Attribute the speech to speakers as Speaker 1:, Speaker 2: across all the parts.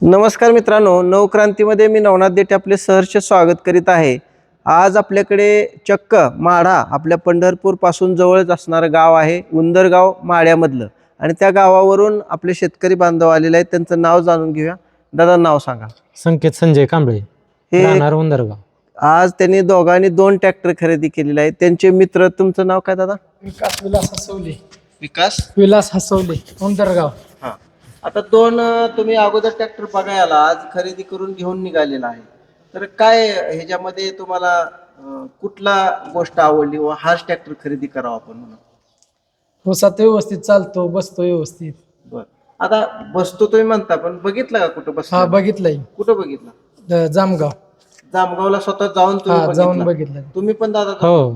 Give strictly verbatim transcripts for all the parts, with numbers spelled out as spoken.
Speaker 1: नमस्कार मित्रांनो, नवक्रांतीमध्ये मी नवनाथ देठे आपले सहर्ष स्वागत करीत आहे। आज आपल्याकडे चक्क माढा आपल्या पंढरपूर पासून जवळच असणारं गाव आहे उंदरगाव माढ्यामधलं, आणि त्या गावावरून आपले शेतकरी बांधव आलेले आहेत। त्यांचं नाव जाणून घेऊया। दादा नाव सांगा।
Speaker 2: संकेत संजय कांबळे, राहणार उंदरगाव।
Speaker 1: आज त्यांनी दोघांनी दोन ट्रॅक्टर खरेदी केलेले आहेत। त्यांचे मित्र, तुमचं नाव काय दादा?
Speaker 3: विकास विलास हसवले।
Speaker 1: विकास
Speaker 3: विलास हसवले, उंदरगाव।
Speaker 1: हां, आता दोन तुम्ही अगोदर ट्रॅक्टर बघायला आज खरेदी करून घेऊन निघालेला आहे, तर काय ह्याच्यामध्ये तुम्हाला कुठला गोष्ट आवडली व हाच ट्रॅक्टर खरेदी करावा आपण म्हणून?
Speaker 3: ऊसात व्यवस्थित चालतो, बसतो व्यवस्थित।
Speaker 1: बर, आता बसतो तुम्ही म्हणता, पण बघितलं का कुठं बस?
Speaker 3: हा बघितलंय,
Speaker 1: कुठं बघितलं?
Speaker 3: द- जामगाव।
Speaker 1: जामगावला स्वतः जाऊन
Speaker 3: हा
Speaker 1: तुम्ही
Speaker 3: जाऊन
Speaker 1: बघितलं?
Speaker 3: बघितलंय।
Speaker 1: तुम्ही पण दादा?
Speaker 2: हो,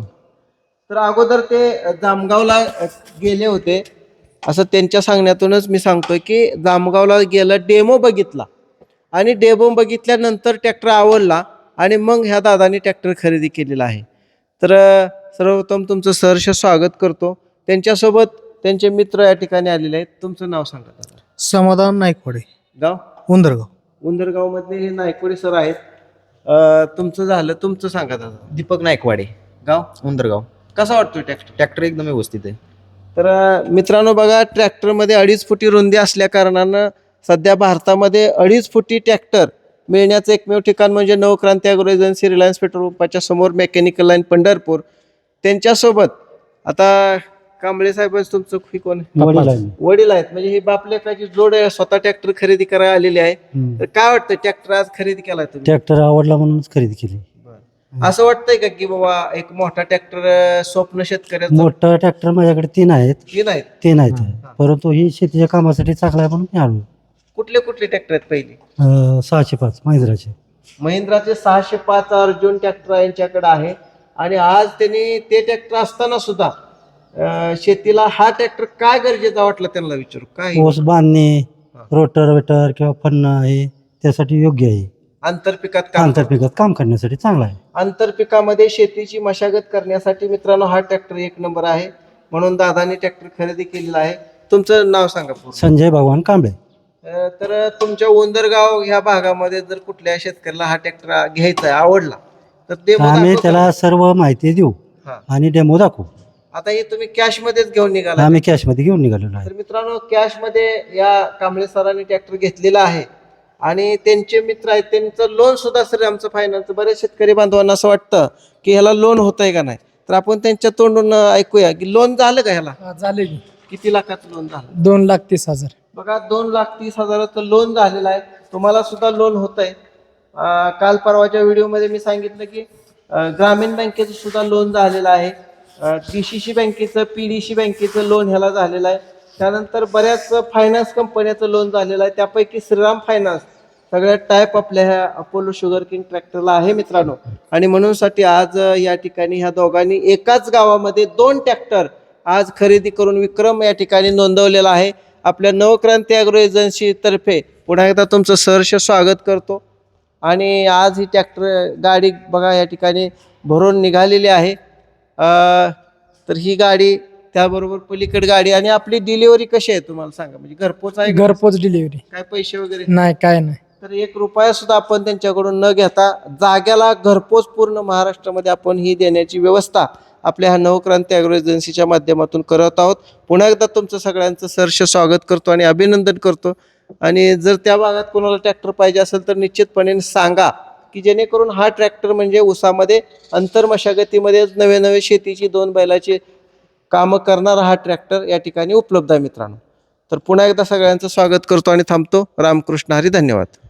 Speaker 1: तर अगोदर ते जामगावला गेले होते असं त्यांच्या सांगण्यातूनच मी सांगतोय की जामगावला गेलं, डेमो बघितला, आणि डेमो बघितल्यानंतर ट्रॅक्टर आवडला, आणि मग ह्या दादानी ट्रॅक्टर खरेदी केलेला आहे। तर सर्वप्रथम तुमचं सहर्ष स्वागत करतो। त्यांच्यासोबत त्यांचे मित्र या ठिकाणी आलेले आहेत। तुमचं नाव सांगा दादा?
Speaker 4: समाधान नायकवाडे,
Speaker 1: गाव?
Speaker 4: उंदरगाव।
Speaker 1: उंदरगाव मधले हे नायकवाडे सर आहेत। अं, तुमचं झालं, तुमचं सांगा दादा?
Speaker 5: दीपक नायकवाडे,
Speaker 1: गाव?
Speaker 5: उंदरगाव।
Speaker 1: कसा वाटतोय ट्रॅक्टर?
Speaker 5: ट्रॅक्टर एकदम व्यवस्थित आहे।
Speaker 1: तर मित्रांनो बघा, ट्रॅक्टरमध्ये अडीच फुटी रुंदी असल्या कारणानं सध्या भारतामध्ये अडीच फुटी ट्रॅक्टर मिळण्याचं एकमेव ठिकाण म्हणजे Navkranti agro agency, Reliance petrol पंपाच्या समोर, मेकॅनिकल लाईन पंढरपूर। त्यांच्यासोबत आता कांबळे साहेब तुमचं ही कोण? वडील आहेत, म्हणजे ही बापलेकाची जोड स्वतः ट्रॅक्टर खरेदी करायला आलेली आहे। तर काय वाटतं, ट्रॅक्टर आज खरेदी केलाय तुम्ही?
Speaker 6: ट्रॅक्टर आवडला म्हणूनच खरेदी केली।
Speaker 1: असं वाटतंय का की बाबा एक मोठा ट्रॅक्टर स्वप्न शेतकऱ्याचं?
Speaker 6: मोठा ट्रॅक्टर माझ्याकडे तीन आहेत
Speaker 1: तीन आहेत?
Speaker 6: तीन आहेत परंतु ही शेतीच्या कामासाठी चांगला आहे म्हणून मी आलो।
Speaker 1: कुठले कुठले ट्रॅक्टर आहेत? पहिली
Speaker 6: अं, सहाशे पाच महिंद्राचे
Speaker 1: महिंद्राचे सहाशे पाच अर्जुन ट्रॅक्टर यांच्याकडे आहे, आणि आज त्यांनी ते ट्रॅक्टर असताना सुद्धा अं, शेतीला हा ट्रॅक्टर काय गरजेचा वाटला त्यांना विचारू काय?
Speaker 6: ओस बांधणे, रोटर वेटर किंवा फन्ना हे त्यासाठी योग्य आहे।
Speaker 1: आंतरपिकात काम
Speaker 6: आंतरपिकात काम करण्यासाठी चांगला आहे।
Speaker 1: आंतरपिकामध्ये शेतीची मशागत करण्यासाठी मित्रांनो हा ट्रॅक्टर एक नंबर आहे, म्हणून दादानी ट्रॅक्टर खरेदी केलेला आहे। तुमचं नाव सांगा पूर्ण?
Speaker 6: संजय भगवान कांबळे।
Speaker 1: अं, तर तुमच्या उंदरगाव ह्या भागामध्ये जर कुठल्या शेतकऱ्याला हा ट्रॅक्टर घ्यायचा आहे, आवडला, तर ते
Speaker 6: आम्ही त्याला सर्व माहिती देऊ आणि डेमो दाखवू।
Speaker 1: आता हे तुम्ही कॅश मध्येच घेऊन निघाला?
Speaker 6: आम्ही कॅश मध्ये घेऊन निघालेलो आहे।
Speaker 1: तर मित्रांनो कॅश मध्ये या कांबळे सरांनी ट्रॅक्टर घेतलेला आहे, आणि त्यांचे मित्र आहेत, त्यांचं लोन सुद्धा सर आमचं फायनान्स, बरेच शेतकरी बांधवांना असं वाटतं की ह्याला लोन होत आहे का नाही, तर आपण त्यांच्या तोंडून ऐकूया की लोन झालं का ह्याला?
Speaker 3: हा, झाले की
Speaker 1: किती लाखाचं लोन झालं?
Speaker 3: दोन लाख तीस हजार।
Speaker 1: बघा, दोन लाख तीस हजाराचं लोन झालेलं आहे। तुम्हाला सुद्धा लोन होत आहे। काल परवाच्या व्हिडिओमध्ये मी सांगितलं की अं, ग्रामीण बँकेचं सुद्धा लोन झालेलं आहे, डीसीसी बँकेचं, पीडीसी बँकेचं लोन ह्याला झालेलं आहे। त्यानंतर बऱ्याच फायनान्स कंपन्याचं लोन झालेलं आहे, त्यापैकी श्रीराम फायनान्स सगळ्यात टाईप आपल्या ह्या अपोलो शुगर किंग ट्रॅक्टरला आहे मित्रांनो। आणि म्हणूनसाठी आज या ठिकाणी ह्या दोघांनी एकाच गावामध्ये दोन ट्रॅक्टर आज खरेदी करून विक्रम या ठिकाणी नोंदवलेला आहे। आपल्या नवक्रांती ॲग्रो एजन्सी तर्फे पुन्हा एकदा तुमचं सहर्ष स्वागत करतो। आणि आज ही ट्रॅक्टर गाडी बघा या ठिकाणी भरून निघालेली आहे। तर ही गाडी, त्याबरोबर पलीकड गाडी, आणि आपली डिलिव्हरी कशी आहे तुम्हाला सांगा? म्हणजे घरपोच आहे?
Speaker 3: घरपोच डिलिव्हरी,
Speaker 1: काय पैसे वगैरे
Speaker 3: नाही काय नाही।
Speaker 1: तर एक रुपया सुद्धा आपण त्यांच्याकडून न घेता जाग्याला घरपोच पूर्ण महाराष्ट्रामध्ये आपण ही देण्याची व्यवस्था आपल्या ह्या नवक्रांती ॲग्रो एजन्सीच्या माध्यमातून करत आहोत। पुन्हा एकदा तुमचं सगळ्यांचं सहर्ष स्वागत करतो आणि अभिनंदन करतो। आणि जर त्या भागात कोणाला ट्रॅक्टर पाहिजे असेल तर निश्चितपणे सांगा, की जेणेकरून हा ट्रॅक्टर म्हणजे ऊसामध्ये अंतर मशागतीमध्ये नवे नवे शेतीची दोन बैलाची कामं करणारा हा ट्रॅक्टर या ठिकाणी उपलब्ध आहे मित्रांनो। तर पुन्हा एकदा सगळ्यांचं स्वागत करतो आणि थांबतो। रामकृष्ण हरी, धन्यवाद।